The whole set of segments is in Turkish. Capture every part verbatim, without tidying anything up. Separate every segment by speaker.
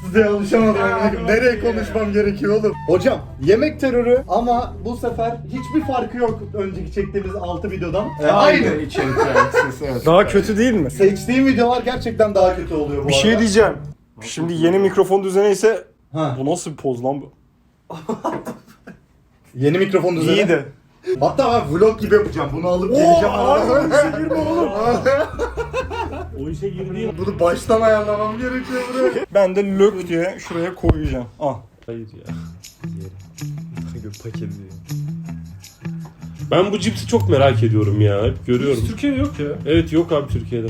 Speaker 1: Size alışamadım. Nereye konuşmam gerekiyor oğlum? Hocam yemek terörü ama bu sefer hiçbir farkı yok önceki çektiğimiz altı videodan. Ee, aynı.
Speaker 2: içerikler. Evet.
Speaker 3: Daha kötü değil mi?
Speaker 1: Seçtiğim videolar gerçekten daha kötü oluyor bu
Speaker 3: Bir
Speaker 1: arada.
Speaker 3: şey diyeceğim. Şimdi yeni mikrofon düzeni ise
Speaker 1: Ha.
Speaker 3: bu nasıl bir poz lan bu?
Speaker 1: Yeni mikrofon düzeni.
Speaker 3: İyi de.
Speaker 1: Hatta ben vlog gibi yapacağım. Bunu alıp geleceğim.
Speaker 3: abi, işe girme oğlum.
Speaker 2: O işe girdiğim...
Speaker 1: Bunu baştan ayarlamam gerekiyor buraya.
Speaker 3: Ben de lök diye şuraya koyacağım. Ah.
Speaker 2: Hayır ya. Paket Ben bu cipsi çok merak ediyorum ya. Hep görüyorum.
Speaker 4: Türkiye'de yok ya.
Speaker 2: Evet yok abi Türkiye'de.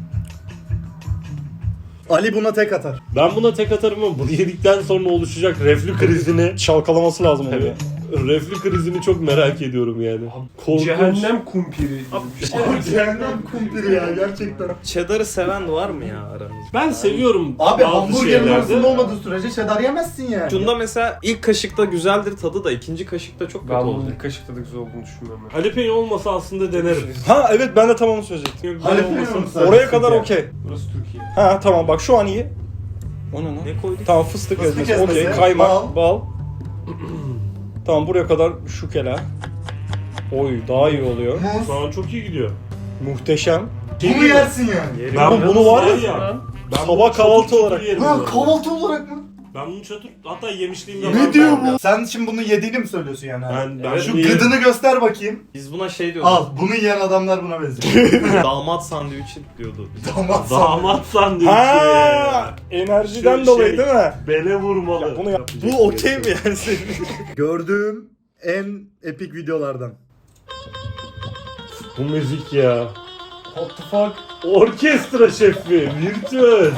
Speaker 1: Ali buna tek atar.
Speaker 2: Ben buna tek atarım ama bunu yedikten sonra oluşacak reflü krizini
Speaker 3: Çalkalaması lazım onu.
Speaker 2: evet. Reflü krizini çok merak ediyorum yani. Korkunç.
Speaker 4: Cehennem kumpiri.
Speaker 1: Abi cehennem kumpiri ya gerçekten.
Speaker 5: Cheddar'ı seven var mı ya aranızda?
Speaker 2: Ben seviyorum
Speaker 1: Abi
Speaker 2: bazı
Speaker 1: hamburgerin
Speaker 2: şeylerde.
Speaker 1: arasında olmadığı sürece cheddar yemezsin yani.
Speaker 5: Şunda mesela ilk kaşıkta güzeldir tadı da ikinci kaşıkta çok kötü
Speaker 4: Ben bunun
Speaker 5: olacak.
Speaker 4: ilk kaşıkta da güzel olduğunu düşünmüyorum. ben.
Speaker 2: Jalapeno olmasa aslında denerim.
Speaker 3: Ha evet ben de tam onu söyleyecektim.
Speaker 1: Jalapeno
Speaker 2: olmasa-
Speaker 1: mu sadece?
Speaker 3: Oraya kadar okey.
Speaker 4: Burası Türkiye.
Speaker 3: Ha tamam bak şu an iyi. O ne lan?
Speaker 5: Ne koyduk?
Speaker 3: Tamam fıstık,
Speaker 1: Fıstık
Speaker 3: ezmesi, okey.
Speaker 1: ezmesi,
Speaker 3: Kaymak,
Speaker 1: bal.
Speaker 3: bal. Tamam buraya kadar şukela. Oy daha iyi oluyor.
Speaker 1: Muz.
Speaker 2: Şu an çok iyi gidiyor.
Speaker 3: Muhteşem.
Speaker 1: Bunu yersin yani.
Speaker 5: Yerim.
Speaker 2: Ben
Speaker 3: Oğlum bunu var ya,
Speaker 2: ya. Ben
Speaker 3: sabah
Speaker 2: bunu çatır
Speaker 3: kahvaltı
Speaker 2: çutur
Speaker 3: olarak.
Speaker 2: yerim
Speaker 1: Ha
Speaker 2: bu arada.
Speaker 1: kahvaltı olarak mı?
Speaker 2: Ben bunu çatır hatta yemişliğim de var.
Speaker 1: Ne diyor
Speaker 2: ben.
Speaker 1: bu? Sen şimdi bunu yediğini mi söylüyorsun yani?
Speaker 2: Ben, ben
Speaker 1: Şu
Speaker 2: bunu yerim.
Speaker 1: gıdını göster bakayım.
Speaker 5: Biz buna şey diyorduk.
Speaker 1: Al bunu yiyen adamlar buna benziyor.
Speaker 5: Damat sandviçi diyordu.
Speaker 1: Damat
Speaker 2: Damat sandviçi.
Speaker 3: Ha enerjiden
Speaker 2: Şu
Speaker 3: dolayı
Speaker 2: şey-
Speaker 3: değil mi?
Speaker 2: Bele vurmalı.
Speaker 3: Ya bunu yap.
Speaker 2: Yapacak
Speaker 5: Bu
Speaker 2: bir
Speaker 5: okey
Speaker 2: şey
Speaker 5: mi
Speaker 2: yok.
Speaker 5: yani senin?
Speaker 1: Gördüğüm en epik videolardan.
Speaker 2: Bu müzik ya.
Speaker 4: What the fuck?
Speaker 2: Orkestra şefi, virtüöz.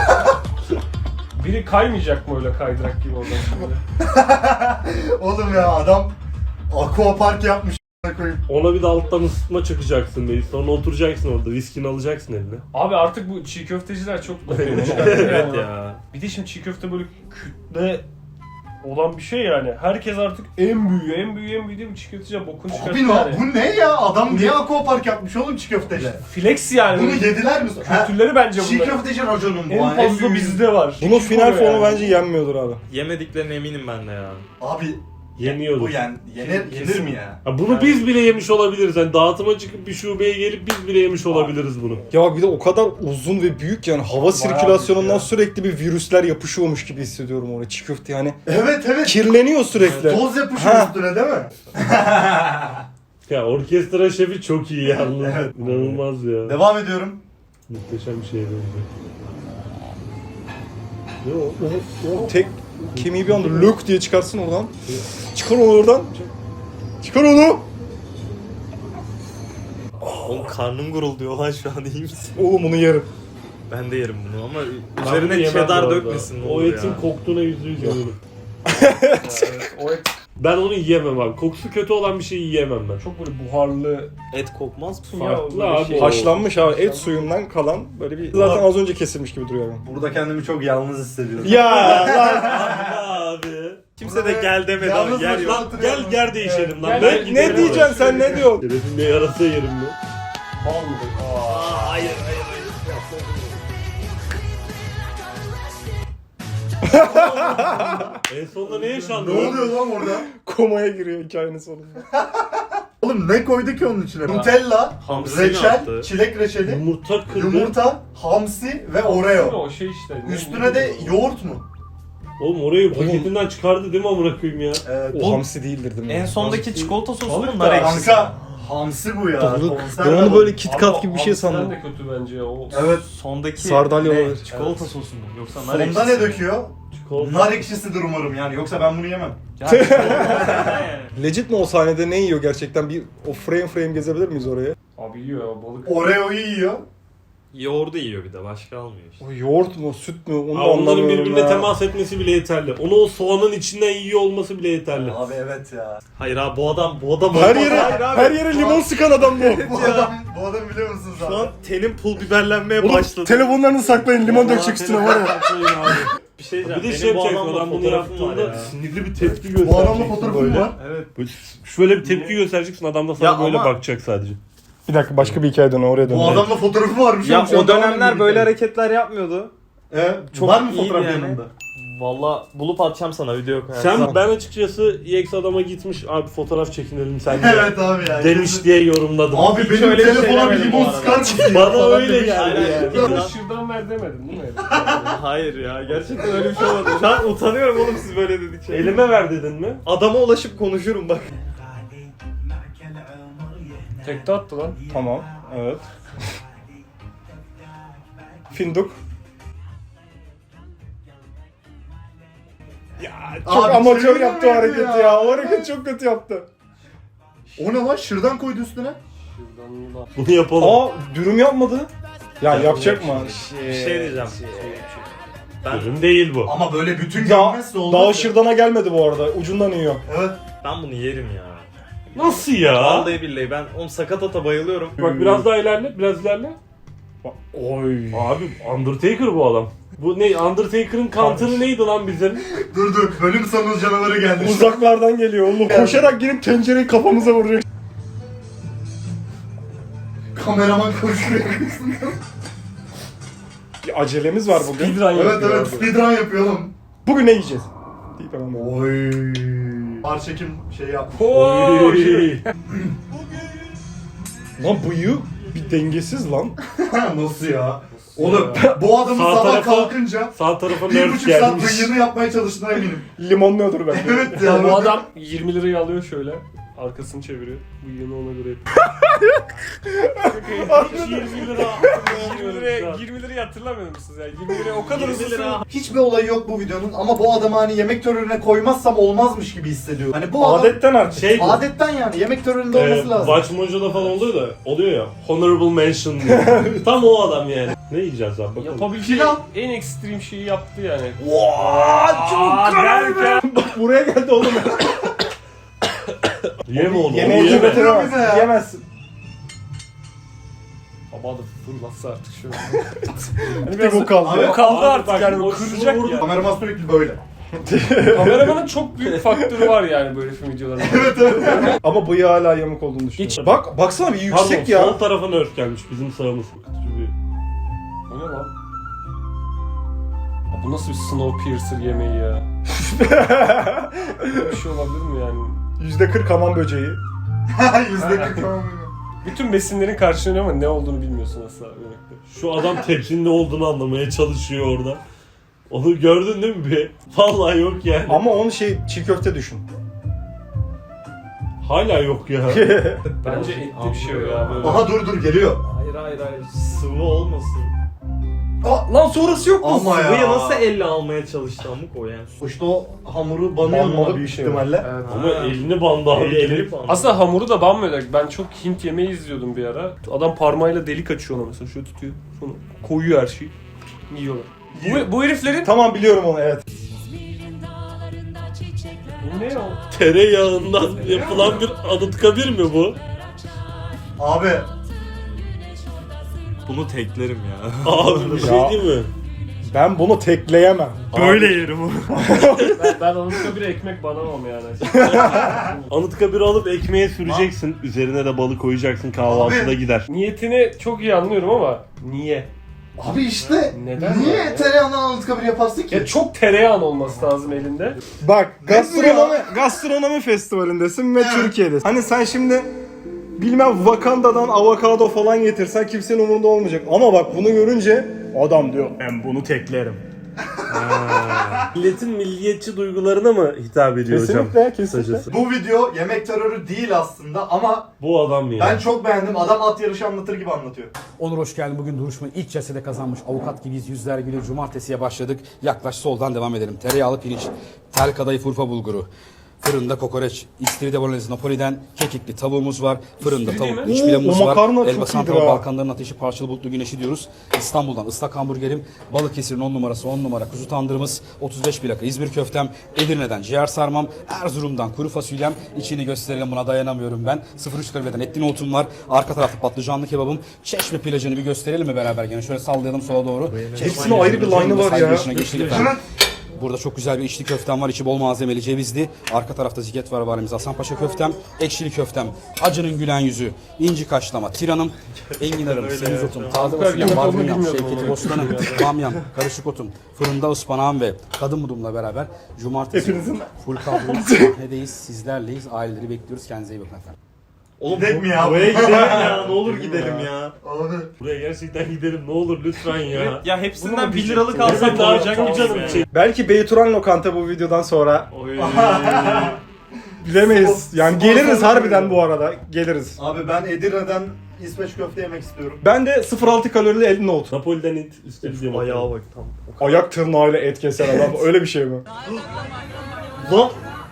Speaker 4: Biri kaymayacak mı öyle kaydırak gibi oradan şimdi?
Speaker 1: Oğlum ya adam aquapark yapmış koyayım.
Speaker 2: Ona bir de alttan ısıtma çakacaksın beyi. Sonra oturacaksın orada. Viskini alacaksın eline.
Speaker 4: Abi artık bu çiğ köfteciler çok
Speaker 5: Evet ya.
Speaker 4: Bir de şimdi çiğ köfte böyle kütle olan bir şey yani. Herkes artık en büyüğü, en büyüğü, en büyüğü diye bu çiğ köfteciler bokunu çıkarttı
Speaker 1: Abi ne
Speaker 4: yani.
Speaker 1: bu ne ya? Adam niye aquapark yapmış oğlum çiğ köfteyle?
Speaker 4: Flex yani.
Speaker 1: Bunu yediler mi? Ha,
Speaker 4: Kültürleri bence
Speaker 1: çiğ
Speaker 4: bunlar.
Speaker 1: köfteci raconun bu.
Speaker 4: En
Speaker 1: ha,
Speaker 4: fazla
Speaker 1: büyüğü.
Speaker 4: bizde var.
Speaker 3: Bunun
Speaker 4: Küçük
Speaker 3: final
Speaker 4: oluyor
Speaker 3: formu
Speaker 4: yani.
Speaker 3: bence yenmiyordur abi.
Speaker 5: Yemediklerine eminim ben de ya.
Speaker 1: Abi
Speaker 2: Yeniyordur.
Speaker 1: bu yen, yenir, yenir mi ya?
Speaker 2: Ha, bunu biz bile yemiş olabiliriz. Yani dağıtıma çıkıp bir şubeye gelip biz bile yemiş olabiliriz bunu.
Speaker 3: Ya bir de o kadar uzun ve büyük yani hava sirkülasyonundan
Speaker 4: büyük ya.
Speaker 3: sürekli bir virüsler yapışıyormuş gibi hissediyorum oraya çiğ köfte yani.
Speaker 1: Evet evet.
Speaker 3: Kirleniyor sürekli.
Speaker 1: Toz yapışıyor
Speaker 3: Ha.
Speaker 1: üstüne değil mi?
Speaker 2: Ya orkestra şefi çok iyi yalnız.
Speaker 1: Evet.
Speaker 2: İnanılmaz ya.
Speaker 1: Devam ediyorum.
Speaker 2: Muhteşem bir şey benziyor.
Speaker 3: Ne o? O, o tek kemiği bir anda lök diye çıkarsın oradan. Çıkar onu oradan. Çıkar onu.
Speaker 5: Oğlum karnım gurulduyor lan şu an iyi misin?
Speaker 3: Oğlum bunu yerim.
Speaker 5: Ben de yerim bunu ama
Speaker 2: Ben bunu
Speaker 5: üzerine
Speaker 2: yemem bu
Speaker 5: cheddar
Speaker 2: arada.
Speaker 5: dökmesin ne
Speaker 2: O
Speaker 5: olur
Speaker 2: etin
Speaker 5: ya.
Speaker 2: koktuğuna yüzde yüz eminim.
Speaker 4: Evet, o et
Speaker 2: Ben onu yiyemem abi. Kokusu kötü olan bir şeyi yiyemem ben.
Speaker 4: çok böyle buharlı.
Speaker 5: Et kokmaz mı?
Speaker 2: Farklı
Speaker 4: böyle
Speaker 2: abi.
Speaker 4: şey.
Speaker 3: Haşlanmış abi et suyundan kalan böyle bir zaten az önce kesilmiş gibi duruyor yani.
Speaker 1: Burada kendimi çok yalnız hissediyorum.
Speaker 3: Ya lan.
Speaker 2: Abi.
Speaker 5: Kimse de gel demedi
Speaker 1: Yalnız
Speaker 5: abi yer
Speaker 1: başına
Speaker 5: yok.
Speaker 2: Lan
Speaker 1: oturuyorum.
Speaker 2: gel yer değişelim lan.
Speaker 4: Gel,
Speaker 2: Ben
Speaker 4: gel,
Speaker 2: giderim
Speaker 3: Ne diyeceksin
Speaker 2: oraya.
Speaker 3: sen ne diyorsun?
Speaker 2: Şerefimle yarasa yerim mi?
Speaker 4: Bal mı?
Speaker 5: Aa, hayır hayır hayır.
Speaker 2: En sonunda ne yaşandı?
Speaker 1: Ne oluyor lan orada?
Speaker 3: Komaya giriyor hikayenin sonunda.
Speaker 1: Oğlum ne koydu ki onun içine? Nutella,
Speaker 5: Hamsi
Speaker 1: reçel,
Speaker 5: attı.
Speaker 1: çilek reçeli,
Speaker 2: Yumurta kırdı.
Speaker 1: yumurta, hamsi ve oreo.
Speaker 4: O şey işte.
Speaker 1: Üstüne de yoğurt mu?
Speaker 2: Oğlum orayı paketinden çıkardı değil mi amına koyayım ya?
Speaker 1: Evet.
Speaker 3: O hamsi değildir değil mi?
Speaker 5: En sondaki çikolata sosu mu
Speaker 2: Balık
Speaker 5: nar
Speaker 2: da-
Speaker 5: ekşisi?
Speaker 1: Kanka hamsi bu ya.
Speaker 3: Balık.
Speaker 1: konserve
Speaker 3: Ben onu
Speaker 1: balık.
Speaker 3: böyle KitKat gibi bir şey
Speaker 4: Hamsiden
Speaker 3: sandım.
Speaker 4: de kötü bence o.
Speaker 1: Evet.
Speaker 5: Sondaki
Speaker 3: Sardalya
Speaker 5: ne?
Speaker 3: olabilir.
Speaker 5: Çikolata sosu mu? Yoksa nar ekşisi
Speaker 1: Sonda ne
Speaker 5: mi?
Speaker 1: döküyor?
Speaker 2: Çikolata.
Speaker 1: Nar ekşisidir umarım yani. Yoksa ben bunu yemem.
Speaker 5: Ya çikolata yani.
Speaker 3: Legit mi o sahnede ne yiyor gerçekten? Bir o frame frame gezebilir miyiz oraya?
Speaker 4: Abi yiyor ya balık.
Speaker 1: Oreo'yu yiyor.
Speaker 5: Yoğurdu yiyor bir de başka almıyor işte.
Speaker 3: O yoğurt mu, süt mü? Onu
Speaker 2: Aa,
Speaker 3: da
Speaker 2: onların
Speaker 3: anlamıyorum
Speaker 2: birbirine
Speaker 3: ya.
Speaker 2: temas etmesi bile yeterli. Onu o soğanın içinden yiyor olması bile yeterli.
Speaker 1: Abi evet ya.
Speaker 5: Hayır abi bu adam bu adam
Speaker 3: Her
Speaker 5: olmaz.
Speaker 3: yere
Speaker 5: Hayır abi.
Speaker 3: her yere limon sıkan adam bu.
Speaker 1: Bu adam, bu adam biliyor musunuz
Speaker 5: Şu
Speaker 1: abi?
Speaker 5: an tenim pul biberlenmeye
Speaker 3: Oğlum
Speaker 5: başladı.
Speaker 3: telefonlarını saklayın limon dökecek üstüne var ya.
Speaker 5: Bir şey
Speaker 2: Bir
Speaker 5: diyeceğim.
Speaker 2: de
Speaker 5: Benim
Speaker 2: şey
Speaker 5: bu
Speaker 2: yapacak
Speaker 5: adamla
Speaker 2: adam bunu
Speaker 5: fotoğrafım var
Speaker 2: yaptığında
Speaker 5: ya.
Speaker 2: sinirli bir tepki göstereceksin.
Speaker 1: Bu adamla fotoğrafım
Speaker 2: böyle.
Speaker 1: var.
Speaker 5: Evet.
Speaker 2: Böyle şöyle bir tepki göstereceksin adam da sana
Speaker 5: Ya
Speaker 2: böyle
Speaker 5: ama-
Speaker 2: bakacak sadece.
Speaker 3: Bir dakika başka bir hikaye dön oraya dön.
Speaker 1: Bu adamla fotoğrafı varmış.
Speaker 5: Ya
Speaker 1: oğlum, şu an
Speaker 5: o dönemler
Speaker 1: tamamen
Speaker 5: böyle
Speaker 1: birlikte.
Speaker 5: hareketler yapmıyordu.
Speaker 1: Ee,
Speaker 5: Çok
Speaker 1: var mı
Speaker 5: iyiydi
Speaker 1: fotoğraf
Speaker 5: yani.
Speaker 1: yanında?
Speaker 5: Valla bulup atacağım sana video koyarsam.
Speaker 2: Sen ben açıkçası E X adama gitmiş abi fotoğraf çekinelim sen de.
Speaker 1: Evet abi ya.
Speaker 2: Demiş diye yorumladım.
Speaker 1: Abi benim
Speaker 5: öyle bir şey
Speaker 1: telefona bir
Speaker 5: demedim
Speaker 1: limon
Speaker 5: bu arada.
Speaker 1: sıkar mısın?
Speaker 2: Bana
Speaker 1: Falan
Speaker 2: öyle
Speaker 1: demiş.
Speaker 2: geldi
Speaker 5: Aynen.
Speaker 2: yani.
Speaker 4: Bana şırdan ver demedin değil mi?
Speaker 5: Hayır ya gerçekten öyle bir şey olmadı. Şu an utanıyorum oğlum siz böyle dedikçe.
Speaker 2: Elime ver dedin mi?
Speaker 5: Adama ulaşıp konuşurum bak.
Speaker 4: Tekte attı lan.
Speaker 3: Tamam. Evet. Finduk. Ya çok
Speaker 1: Abi,
Speaker 3: amatör
Speaker 1: çeviriyor
Speaker 3: yaptı o
Speaker 1: muydu
Speaker 3: hareketi
Speaker 1: ya?
Speaker 3: ya. O hareket çok kötü yaptı.
Speaker 1: O ne lan? Şırdan koydu üstüne.
Speaker 4: Şırdanlı da.
Speaker 2: Bunu yapalım.
Speaker 3: Aa dürüm yapmadı. Ya yapacak mı?
Speaker 5: Bir şey diyeceğim. Ben,
Speaker 2: Ürün değil bu.
Speaker 1: Ama böyle bütün
Speaker 3: Daha,
Speaker 1: görmezse olmaz.
Speaker 3: daha
Speaker 1: ya.
Speaker 3: şırdana gelmedi bu arada. Ucundan yiyor.
Speaker 1: Evet.
Speaker 5: ben bunu yerim ya.
Speaker 2: Nasıl ya?
Speaker 5: Vallahi billahi ben oğlum sakatata bayılıyorum.
Speaker 2: Bak biraz daha ilerle, biraz ilerle.
Speaker 3: Oy.
Speaker 2: Abi Undertaker bu adam. Bu ne? Undertaker'ın counter'ı neydi lan bizim?
Speaker 1: Dur dur. Bölüm sonu canavarı geldi.
Speaker 3: Uzaklardan geliyor oğlum. Koşarak girip tencereyi kafamıza vuruyor.
Speaker 1: Kameraman koşuyor.
Speaker 3: Bir acelemiz var bugün.
Speaker 4: Speedrun
Speaker 1: Evet
Speaker 4: yapıyor
Speaker 1: evet.
Speaker 4: abi.
Speaker 1: Speedrun yapıyor oğlum.
Speaker 3: Bugün ne yiyeceğiz? Deyip hemen böyle.
Speaker 1: Oy. Ağır çekim şey yapmış.
Speaker 4: Oo, şey.
Speaker 3: Lan bıyığı bir dengesiz lan.
Speaker 1: Nasıl ya? Oğlum bu adamın
Speaker 2: Sağ
Speaker 1: sabah
Speaker 2: tarafa-
Speaker 1: kalkınca
Speaker 2: Sağ tarafa
Speaker 1: bir
Speaker 2: nerf
Speaker 1: buçuk saat
Speaker 2: gelmiş.
Speaker 1: bıyığını yapmaya çalıştığına eminim.
Speaker 3: Limonluyordur bence.
Speaker 1: Evet
Speaker 4: Ya
Speaker 1: ya.
Speaker 4: bu adam yirmi lirayı alıyor şöyle. Arkasını çeviriyor. Bıyığını ona göre
Speaker 2: yirmi lira.
Speaker 4: yirmi liraya, yirmi lirayı hatırlamıyor musunuz ya? yirmi liraya o kadar hızlı
Speaker 5: lira.
Speaker 1: Hiçbir olayı yok bu videonun ama bu adamı hani yemek törenine koymazsam olmazmış gibi hissediyorum. Hani bu adam
Speaker 3: Adetten artık.
Speaker 2: Şey bu.
Speaker 1: adetten yani yemek töreninde
Speaker 2: Ee,
Speaker 1: olması lazım.
Speaker 2: Watch Mojo'da falan oluyor da oluyor ya. Honorable mention diyor. Tam o adam yani. Ne yiyeceğiz abi bakalım.
Speaker 4: yapabileceği
Speaker 1: Pilav.
Speaker 4: en ekstrem şeyi yaptı yani.
Speaker 1: Vaa çok
Speaker 4: derken
Speaker 3: Buraya geldi oğlum.
Speaker 2: Yeme onu.
Speaker 3: Yemeği
Speaker 2: onu yeme.
Speaker 1: yemedim. bize
Speaker 3: götüremezsin.
Speaker 1: ya.
Speaker 3: Yiyemezsin.
Speaker 4: Baba da fırlatsa artık şöyle. hani
Speaker 3: Bir bu kaldı.
Speaker 1: Abi,
Speaker 4: o kaldı
Speaker 2: abi
Speaker 4: artık
Speaker 2: bak,
Speaker 4: yani
Speaker 2: o
Speaker 4: kıracak
Speaker 2: şunu
Speaker 4: ya.
Speaker 1: Kameraman sürekli böyle.
Speaker 4: Kameramanın çok büyük faktörü var yani böyle film videolarında.
Speaker 3: Ama bıyığı hala yamuk olduğunu düşünüyorum.
Speaker 4: Hiç.
Speaker 3: Bak baksana bir
Speaker 2: Pardon,
Speaker 3: yüksek ya.
Speaker 2: sol tarafa nerf gelmiş bizim sağımız. Kötücü bir.
Speaker 4: O ne lan? Ya bu nasıl bir Snowpiercer yemeği ya? Böyle bir şey olabilir mi yani?
Speaker 3: yüzde kırk hamam böceği.
Speaker 1: Yüzde kırk tamam.
Speaker 4: Bütün besinlerin karşılığında ama ne olduğunu bilmiyorsun asla yemekte.
Speaker 2: Şu adam tepsinin ne olduğunu anlamaya çalışıyor orada. Onu gördün değil mi bir? Vallahi yok yani.
Speaker 3: Ama onu şey çiğ köfte düşün.
Speaker 2: Hala yok ya.
Speaker 4: Bence etli bir şey o ya böyle.
Speaker 1: Aha dur dur geliyor.
Speaker 5: Hayır hayır hayır sıvı olmasın.
Speaker 3: Lan sonrası yok mu?
Speaker 1: Ama ya.
Speaker 5: Sıvıyı nasıl elle almaya çalıştı amık o yani.
Speaker 1: İşte o hamuru banıyor
Speaker 3: Banmalı
Speaker 1: mu
Speaker 3: bir
Speaker 1: büyük
Speaker 3: şey
Speaker 1: ihtimalle.
Speaker 4: Evet.
Speaker 2: Ama elini bandı abi.
Speaker 5: Eli,
Speaker 2: Eli.
Speaker 5: eli falan.
Speaker 4: Aslında hamuru da banmıyor. Ben çok Hint yemeği izliyordum bir ara. Adam parmağıyla delik açıyor ona mesela. Şöyle tutuyor. Sonra koyuyor her şeyi. Yiyorlar. Bu, bu heriflerin...
Speaker 3: Tamam biliyorum onu evet.
Speaker 4: Bu ne o?
Speaker 2: Tereyağından yapılan bir anıtkabir mi bu?
Speaker 1: Abi
Speaker 5: Bunu teklerim ya.
Speaker 2: Abi bir şey
Speaker 3: Ya.
Speaker 2: değil mi?
Speaker 3: Ben bunu tekleyemem.
Speaker 5: Böyle yerim onu.
Speaker 4: Ben, ben Anıtkabir'e ekmek banamam yani.
Speaker 2: Anıtkabir'i alıp ekmeğe süreceksin. Üzerine de balık koyacaksın. Kahvaltıda
Speaker 1: Abi.
Speaker 2: gider.
Speaker 4: Niyetini çok iyi anlıyorum ama niye?
Speaker 1: abi işte
Speaker 4: Neden
Speaker 1: niye
Speaker 4: yani?
Speaker 1: tereyağından anıtkabir yaparsın ki?
Speaker 4: Ya çok tereyağın olması lazım elinde.
Speaker 3: Bak gastronomi, gastronomi festivalindesin ve Türkiye'desin. Hani sen şimdi bilmem Wakanda'dan avokado falan getirsen kimsenin umurunda olmayacak. Ama bak bunu görünce adam diyor ben bunu teklerim.
Speaker 2: Milletin milliyetçi duygularına mı hitap ediyor hocam?
Speaker 3: Kesinlikle kesinlikle.
Speaker 2: Kısacası.
Speaker 1: Bu video yemek terörü değil aslında ama
Speaker 2: Bu adam ya.
Speaker 1: ben çok beğendim. Adam at yarışı anlatır gibi anlatıyor.
Speaker 6: Onur hoş geldin. Bugün duruşmayı ilk cesede kazanmış. Avukat gibiyiz. Yüzler gülüyor. Cumartesiye başladık. Yaklaş soldan devam edelim. Tereyağlı pirinç, tel kadayıf Urfa bulguru, fırında kokoreç, istiridye bolognese Napoli'den kekikli tavuğumuz var. Fırında
Speaker 4: İstiridye
Speaker 6: tavuk,
Speaker 4: mi?
Speaker 6: iç
Speaker 3: Oo,
Speaker 6: pilavımız
Speaker 3: o
Speaker 6: var.
Speaker 3: makarna çok
Speaker 6: Elbasan
Speaker 3: iyidir
Speaker 6: tava,
Speaker 3: ha.
Speaker 6: Balkanların ateşi, parçalı bulutlu güneşi diyoruz. İstanbul'dan ıslak hamburgerim, Balıkesir'in on numarası on numara kuzu tandırımız, otuz beş plaka İzmir köftem, Edirne'den ciğer sarmam, Erzurum'dan kuru fasulyem. İçini gösterelim, buna dayanamıyorum ben. sıfır üç kaloriden etli nohutum var. Arka tarafta patlıcanlı kebabım. Çeşme plajını bir gösterelim mi beraber gene? Şöyle sallayalım sola doğru. Çeşme
Speaker 3: Hepsinin ayrı bir line'ı var ya.
Speaker 6: Saygı yaşına geçtik efendim. Burada çok güzel bir içli köftem var. İçi bol malzemeli, cevizli. Arka tarafta ziget var varimiz. Hasanpaşa köftem, ekşili köftem, acının gülen yüzü, inci kaşlama, tiranım, enginarım, semizotum, taze fasulyem,
Speaker 4: Köfte olduğunu
Speaker 6: barbunyam,
Speaker 4: bilmiyordum
Speaker 6: şevketi
Speaker 4: onu.
Speaker 6: bostanım, bamyam, karışık otum, fırında ıspanağım ve kadın mudumla beraber cumartesi full kadro sahnedeyiz, sizlerleyiz, aileleri bekliyoruz. Kendinize iyi bakın efendim.
Speaker 1: Oğlum gidelim mi ya?
Speaker 5: Buraya gidelim ya. Ne olur gidelim ya.
Speaker 1: Abi.
Speaker 2: Buraya gerçekten gidelim ne olur lütfen ya.
Speaker 5: Ya hepsinden
Speaker 2: Bunu
Speaker 5: bir liralık
Speaker 2: Evet
Speaker 5: alsak
Speaker 2: abi,
Speaker 5: doyacak
Speaker 2: çok
Speaker 5: mıyız
Speaker 2: canım
Speaker 5: ya?
Speaker 2: çekti.
Speaker 3: Belki Beyturan Lokanta bu videodan sonra
Speaker 5: Oy.
Speaker 3: bilemeyiz.
Speaker 1: Spor-
Speaker 3: Yani
Speaker 1: spor
Speaker 3: geliriz
Speaker 1: salonu
Speaker 3: harbiden
Speaker 1: gibi.
Speaker 3: bu arada. Geliriz.
Speaker 1: Abi ben Edirne'den İsveç köfte yemek istiyorum.
Speaker 3: Ben de sıfır altı kalorili el nohut.
Speaker 2: Napoli'den it üstü diye
Speaker 5: Ayağa bak tam.
Speaker 3: Ayak tırnağıyla et kesen adam. Öyle bir şey mi?
Speaker 5: Lan.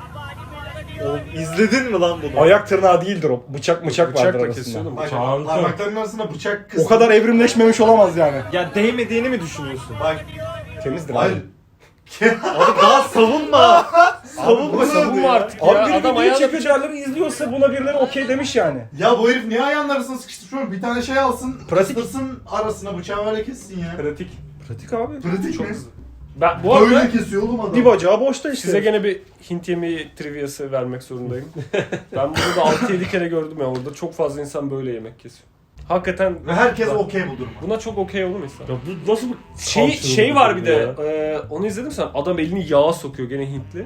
Speaker 5: Oğlum izledin mi lan bunu?
Speaker 3: Ayak tırnağı değildir o. Bıçak bıçak vardır
Speaker 4: Bıçakla
Speaker 3: arasında.
Speaker 4: kesiyordum.
Speaker 1: Bak
Speaker 2: Kanka.
Speaker 1: parmaklarının arasında bıçak
Speaker 3: O
Speaker 1: kısmı.
Speaker 3: kadar evrimleşmemiş olamaz yani.
Speaker 5: Ya değmediğini mi düşünüyorsun?
Speaker 1: Bak.
Speaker 3: Temizdir
Speaker 1: Hayır.
Speaker 3: abi.
Speaker 5: Abi daha savunma. savunma
Speaker 4: Savunma artık
Speaker 3: Abi
Speaker 4: ya.
Speaker 3: biri
Speaker 4: Adam
Speaker 3: video
Speaker 4: ayağına
Speaker 3: çekiyor, diğerleri izliyorsa buna birileri okey demiş yani.
Speaker 1: Ya bu herif niye ayağının arasına sıkıştırıyor? Bir tane şey alsın,
Speaker 3: Pratik.
Speaker 1: kıstırsın arasına bıçağı böyle kessin ya.
Speaker 4: pratik.
Speaker 3: Pratik abi.
Speaker 1: Pratik mi?
Speaker 4: Ben bu arada
Speaker 1: Böyle kesiyor oğlum adam.
Speaker 3: Bir bacağı boşta işte.
Speaker 4: size gene bir Hint yemeği triviası vermek zorundayım. Ben bunu da altı yedi kere gördüm ya orada. Çok fazla insan böyle yemek kesiyor. Hakikaten
Speaker 1: Ve herkes
Speaker 4: Ben-
Speaker 1: okey bu duruma.
Speaker 4: buna çok okey olur mu insan?
Speaker 2: Ya bu nasıl bir
Speaker 4: Şey,
Speaker 2: culture
Speaker 4: şey var bir de,
Speaker 2: ya?
Speaker 4: e, onu izledim sen. Adam elini yağa sokuyor gene Hintli.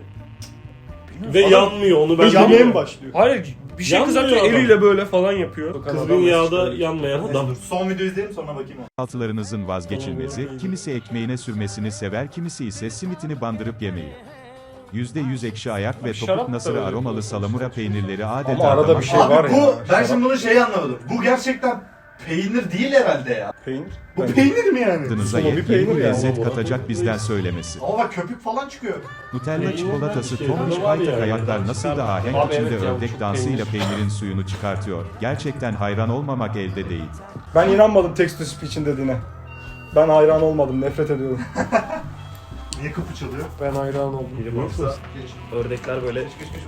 Speaker 2: Ve
Speaker 4: Adam-
Speaker 2: yanmıyor onu ben
Speaker 3: Yanmaya mı
Speaker 2: bilmiyorum.
Speaker 3: başlıyor?
Speaker 4: Hayır bir şey
Speaker 2: Yanmıyor
Speaker 4: kızartıyor
Speaker 2: adam.
Speaker 4: eliyle böyle falan yapıyor.
Speaker 2: Kızgın yağda yanmayan adam.
Speaker 1: Neyse, dur, son video izleyelim sonra bakayım ona.
Speaker 7: Altılarınızın vazgeçilmezi, kimisi ekmeğine sürmesini sever, kimisi ise simitini bandırıp yemeyi. yüzde yüz ekşi ayak ve
Speaker 4: Şarap
Speaker 7: topuk
Speaker 4: da
Speaker 7: nasırı
Speaker 4: öyle
Speaker 7: aromalı
Speaker 4: bir
Speaker 7: salamura peynirleri adeta
Speaker 3: Ama arada
Speaker 7: damak-
Speaker 3: bir şey var
Speaker 1: Abi bu,
Speaker 3: ya.
Speaker 1: ben
Speaker 3: Şarap-
Speaker 1: şimdi bunu şey anlamadım. Bu gerçekten peynir değil herhalde ya.
Speaker 3: Peynir.
Speaker 1: Bu
Speaker 3: Bence.
Speaker 1: peynir mi yani?
Speaker 7: Tadınıza
Speaker 3: Sulu bir
Speaker 7: yepyeni
Speaker 3: peynir
Speaker 7: bir
Speaker 3: ya.
Speaker 7: lezzet
Speaker 2: Bu-
Speaker 7: katacak bizden söylemesi.
Speaker 1: Ama bak köpük falan çıkıyor.
Speaker 7: Nutella
Speaker 2: Peynirden
Speaker 7: çikolatası
Speaker 2: bir şey
Speaker 7: tombiş
Speaker 2: var
Speaker 7: paytak
Speaker 2: ya.
Speaker 7: ayaklar nasıl da ahenk
Speaker 4: Abi
Speaker 7: içinde
Speaker 4: evet ya, bu
Speaker 7: ördek
Speaker 4: çok
Speaker 7: dansıyla
Speaker 4: peynir.
Speaker 7: peynirin suyunu çıkartıyor. Gerçekten hayran olmamak elde değil.
Speaker 3: Ben inanmadım text to speech'in dediğine. Ben hayran olmadım, nefret ediyorum.
Speaker 1: Niye kapı çalıyor?
Speaker 4: Ben hayran oldum.
Speaker 5: Ördekler böyle.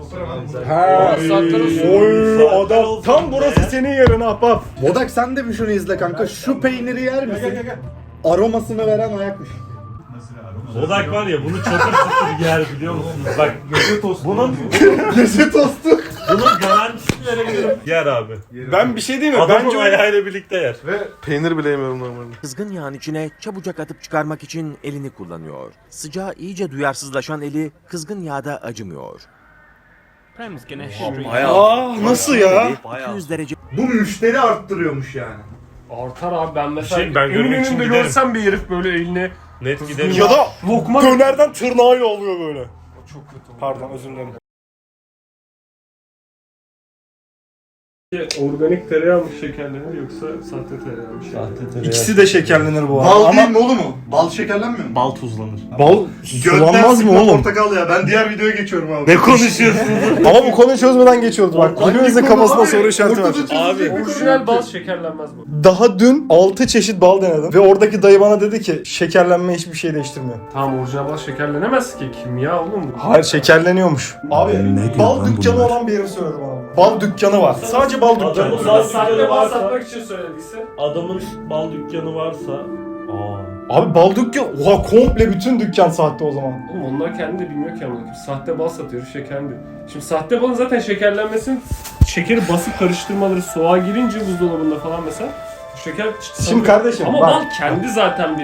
Speaker 3: Ha.
Speaker 4: Saatler olsun.
Speaker 3: Oy
Speaker 2: Saatler
Speaker 3: adam
Speaker 2: olsun
Speaker 3: tam
Speaker 2: be.
Speaker 3: burası senin yerin ahbap.
Speaker 1: Bodak sen de bir şunu izle kanka. Şu peyniri yer misin? Aromasını veren ayakmış.
Speaker 2: Odak var ya bunu çatır çatır yer biliyor musunuz? Bak bunun
Speaker 1: Gece tostu.
Speaker 2: bunun garantisini verebilirim. Yer abi.
Speaker 3: Ben bir şey diyeyim mi?
Speaker 2: Adamın
Speaker 3: Bence
Speaker 2: ayağıyla birlikte yer.
Speaker 5: Peynir bile yemiyorum normalde.
Speaker 8: Kızgın yağın içine çabucak atıp çıkarmak için elini kullanıyor. Sıcağa iyice duyarsızlaşan eli kızgın yağda acımıyor.
Speaker 3: Aa nasıl ya?
Speaker 8: iki yüz derece
Speaker 1: Bu müşteri arttırıyormuş yani.
Speaker 4: Artar abi ben mesela
Speaker 2: Şey, ben görmek için
Speaker 4: önünde
Speaker 2: giderim.
Speaker 4: görsem bir herif böyle elini
Speaker 2: Net gidelim.
Speaker 3: Ya da
Speaker 4: lokma
Speaker 3: dönerden tırnağıyla oluyor böyle.
Speaker 4: çok kötü.
Speaker 3: Pardon özür dilerim.
Speaker 4: Organik tereyağı mı şekerlenir yoksa sahte tereyağı mı şekerlenir?
Speaker 3: İkisi de şekerlenir bu arada.
Speaker 1: Bal
Speaker 3: Ama
Speaker 1: değil mi oğlum o? Bal şekerlenmiyor mu?
Speaker 2: Bal tuzlanır.
Speaker 3: bal sulanmaz mı
Speaker 1: sıkma
Speaker 3: oğlum?
Speaker 1: portakal ya. Ben diğer videoya geçiyorum abi.
Speaker 2: Ne konuşuyorsunuz?
Speaker 3: Ama bu konuyu çözmeden geçiyoruz bak.
Speaker 1: Hangi
Speaker 3: Hepimizin
Speaker 1: konu
Speaker 3: kafasında
Speaker 1: abi?
Speaker 3: soru işareti var.
Speaker 1: Ortada çözülecek bir konu
Speaker 4: Orijinal
Speaker 1: yok
Speaker 4: bal
Speaker 1: ki.
Speaker 4: şekerlenmez bu.
Speaker 3: Daha dün altı çeşit bal denedim ve oradaki dayı bana dedi ki şekerlenme hiçbir şey değiştirmiyor.
Speaker 4: Tamam orijinal bal şekerlenemez ki kimya oğlum bu.
Speaker 3: Hayır şekerleniyormuş. Abi bal dükkanı olan bir herif söyledi bana. Bal dükkanı var. Sadece bal dükkanı.
Speaker 2: Adamın bal
Speaker 4: Sahte
Speaker 2: dükkanı
Speaker 4: bal
Speaker 2: varsa,
Speaker 4: satmak için söylediyse.
Speaker 2: adamın bal dükkanı varsa, aa.
Speaker 3: Abi bal dükkanı. Oha komple bütün dükkan sahte o zaman.
Speaker 4: Oğlum onlar kendi de bilmiyor ki ama. Sahte bal satıyor, şekerli. Şimdi sahte balın zaten şekerlenmesinin şekeri basıp karıştırmaları soğuğa girince buzdolabında falan mesela şeker
Speaker 3: Şimdi kardeşim
Speaker 4: ama
Speaker 3: bak.
Speaker 4: bal kendi zaten bir